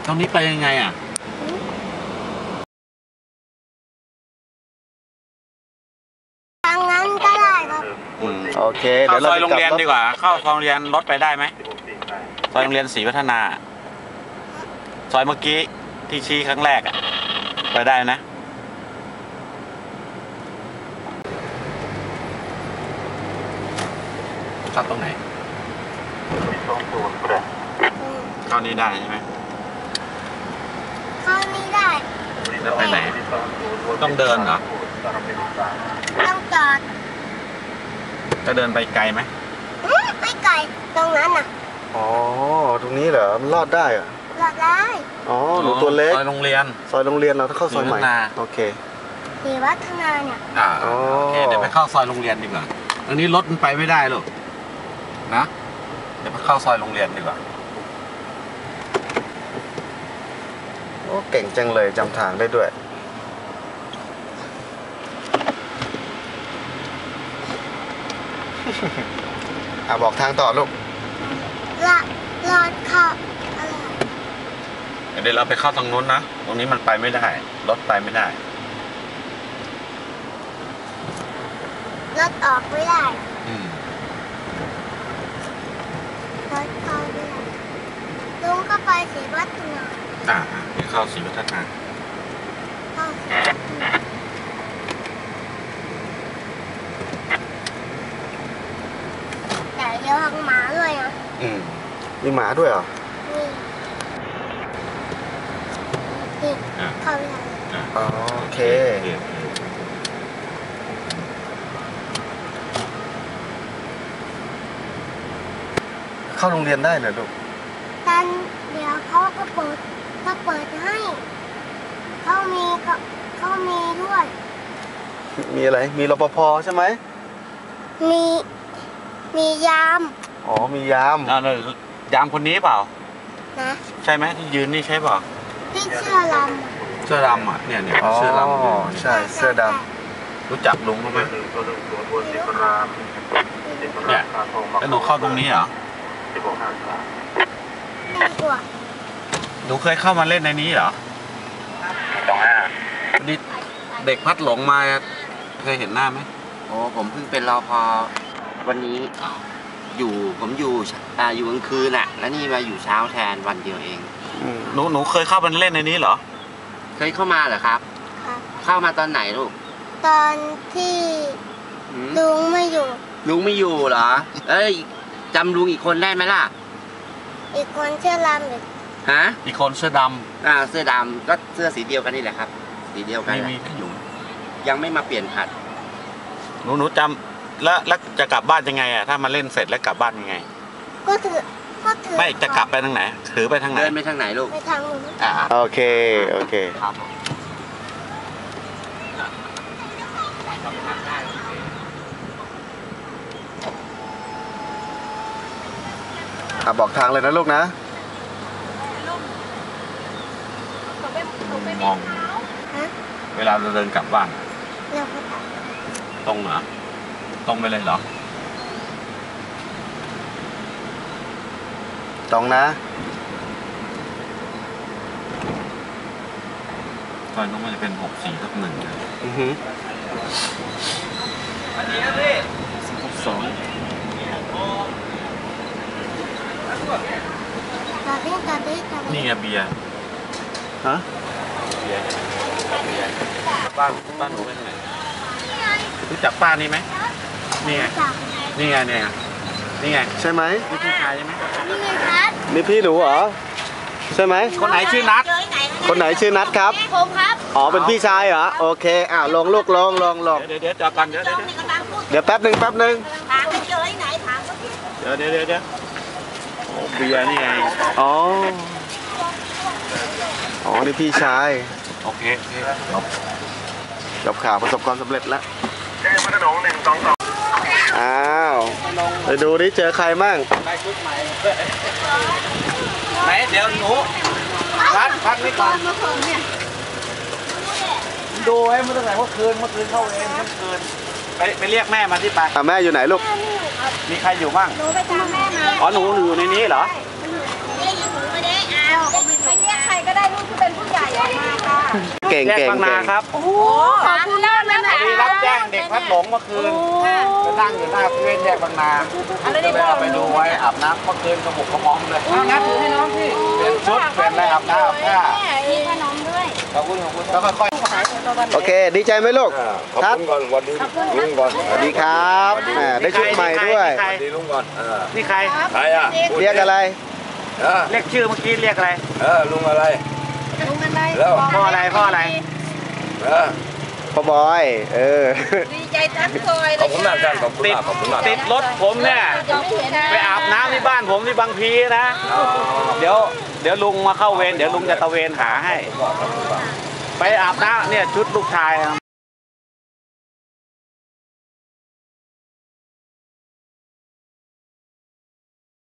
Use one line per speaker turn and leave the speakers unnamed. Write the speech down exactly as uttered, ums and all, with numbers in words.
ตรงนี้ไปยังไงอ่ะ
ทางนั้นก็ได้ครับ
โอเค
เข้าซอยโรงเรียนดีกว่าเข้าซอยโรงเรียนรถไปได้ไหมซอยโรงเรียนศรีพัฒนาซอยเมื่อกี้ที่ชี้ครั้งแรกอ่ะไปได้นะเข้าตรงไหนเข้านี้ได้ใช่ไหม
เข้านี้ได้
แล้วไปไหนต้องเดินเหรอ
ต้องจอด
จะเดินไปไกลไหม
ไม่ไกลตรงนั้นน่ะ
อ๋อตรงนี้เหรอมันรอดได้เหรอ
รอดได้
อ๋อหนูตัวเล็ก
ซอยโรงเรียน
ซอยโรงเรียนเราต้องเข้าซอยใหม่โอเค
ศรีวัฒนาเนี่ย
อ่าโอเคเดี๋ยวไปเข้าซอยโรงเรียนดีกว่าอันนี้รถมันไปไม่ได้หรอกนะเดี๋ยวไปเข้าซอยโรงเรียนดีกว่า
โอ้เก่งจังเลยจำทางได้ด้วยอ่ะบอกทางต่อลูก
รอดรอดเข้าอะไร
เดี๋ยวเราไปเข้าทางนู้นนะตรงนี้มันไปไม่ได้รถไปไม่ได้
รถออกไม่ได้
อืม
รถเข้าไม่ได้ลุงก็ไปศรีวัฒนา
อ่าไปเข้าศรีวัฒนา
เข้าศรีวัฒนาแต่เดี๋ยวหังหมาด้วยนะ
อืมมีหมาด้วยเหรอ
นี่นี่เข้าไม่ได้
อ๋อโอเคเข้าโรงเรียนได้เหรอลูก
ตอนเดี๋ยวเขาก็เปิดก็เปิดให้เขามีก็เขามีด้วย
มีอะไรมีรปภใช่ไหม
มีมียาม
อ๋อมียาม
อ่ายามคนนี้เปล่า
นะ
ใช่ไหมที่ยืนนี่ใช่เปล่า
ที่เสื้อด
ำเสื้อดำอ่ะเนี่ยเนี่ยเสื้อดำ
อ๋อใช่เสื้อดำ
รู้จักลุงเขาไหมเนี่ยแล้วหนูเข้าตรงนี้เหรอหนูเคยเข้ามาเล่นในนี้เหรอตรงห้าดิเด็กพัดหลงมาเคยเห็นหน้าไหม
โอ้ผมเพิ่งเป็นรปภวันนี้อยู่ผมอยู่อ่าอยู่กลางคืนอ่ะแล้วนี่มาอยู่เช้าแทนวันเดียวเอง
หนูหนูเคยเข้ามาเล่นในนี้เหรอ
เคยเข้ามาเหรอครับเข้ามาตอนไหนลูก
ตอนที่ลุงไม่อยู่
ลุงไม่อยู่เหรอเอ้ยจำลุงอีกคนได้ไหมล่ะ
อีกคนเสื้อดำอีก
ฮะ
อีกคนเสื้อดำ
อ่าเสื้อดำก็เสื้อสีเดียวกันนี่แหละครับสีเดียวกัน
มีที่อยู่
ยังไม่มาเปลี่ยนผัด
หนูหนูจำแล้วแล้วจะกลับบ้านยังไงอ่ะถ้ามาเล่นเสร็จแล้วกลับบ้านยังไง
ก็ถือก็ถือ
ไม่จะกลับไปทางไหนถือไปทางไหน
เดินไปทางไหนลูก
ไปทางนู้น
อ่า
โอเคโอเค
ครับ
อ่ะบอกทางเลยนะลูกนะ
มองเวลาเราเดินกลับบ้านตรงเหรอตรงไปเลยเหรอ
ตรงนะ
ซอยนู้นมันจะเป็นหกสี่ทับหนึ่งนะ
อือฮึ
อันนี้นะพี่
สอง
นี่ไงเบียร์
ฮะ
เบียร์เบียร์บ้านบ้านหนูเป็นไงรู้จักป้านี่ไหมนี่ไงนี่ไงเนี่ยนี่ไง
ใช่ไหม
นี่พี่ชายใช่ไหม
นี่ไงนัด
นี่พี่หนูเหรอใช่ไหม
คนไหนชื่อนัด
คนไหนชื่อนัดครับ
ผมครับ
อ๋อเป็นพี่ชายเหรอโอเคอ่ะลงลูกลงลงลง
เดี๋ยวเดี๋ยวจอดก่อนเดี๋ยวเดี๋ยว
เดี๋ยวแป๊บหนึ่งแป๊บหนึ่ง
ถามเจอที่ไหนถาม
เดี๋ยวเดี๋ยวเดี๋ยวเดี๋ยวโอ้เบียร์นี่ไง
อ๋ออ๋อนี่พี่ชาย
โอเคโอเคจบ
จบข่าวประสบความสำเร็จแล้วอ้าวไปดูดิเจอใครมั่ง
ได้ชุดใหม่ไหนเดี๋ยวหนูพักพักนี่ก่อนดูให้เมื่อไหร่เมื่อคืนเมื่อคืนเข้าเองเมื่อคืนไปไปเรียกแม่มาที่ไป
อ่ะแม่อยู่ไหนลูก
มีใครอยู่บ้าง
หนูไปตามแม่มา
อ๋อหนูอยู่ในนี้เหรอ
ไม่ได้หนูไม่ได้เอาไปเรียกใครก็
ก็ได้ลูกที่เป็นผู้ใหญ่ออกมาค่ะ
เก่ง
แยก
เก่ง
บางนา
เก่ง
ครับ
โอ้ขอบคุณมากเลยนะ
มีรับแจ้งเด็กพัดหลงเมื่อคืนไปนั่งอยู่หน้าเพื่อนแยกบางนา
อะไร
ก็
ได้
เลย
บอก
เอาไปดูไว้อาบน้ำเมื่อคืนกระบุกกระมอมเลย
เอางั้นถือให้น้องพี่
เป็นชุดเป็นอะไรอาบน้ำอาบผ้า
มีขนมด้วย
ขอบคุณขอบคุณแล้วค่อย
โอเค ดีใจไหมลูก
ขอบ
ทัด
คุณก่อนวันนี้ลุงก่อน
สวัสดีครับแหมได้ชุดใหม่ด้วย
ใคร
วันนี้ลุงก่อนเออ
นี่ใคร
ใครอ่ะ
เรียกอะไร
เออ
เรียกชื่อเมื่อกี้เรียกอะไร
เออลุงอะไร
ลุงอะไร
แล้ว
พ่ออะไรพ่ออะไร
เออ
พ่อบอย เออ
ดีใจทั้งซอยเล
ขอย บคุณมากท่านขอบคุณ
ติด
มากขอบคุณมาก
ติดรถผมเนี่ย
จะไม่เห็น
ไปอาบน้ำที่บ้านผมที่บางพีนะ เดี๋ยวเดี๋ยวลุงมาเข้าเวรเดี๋ยวลุงจะตะเวนหาให้ ไปอาบน้ำเนี่ยชุดลูกชาย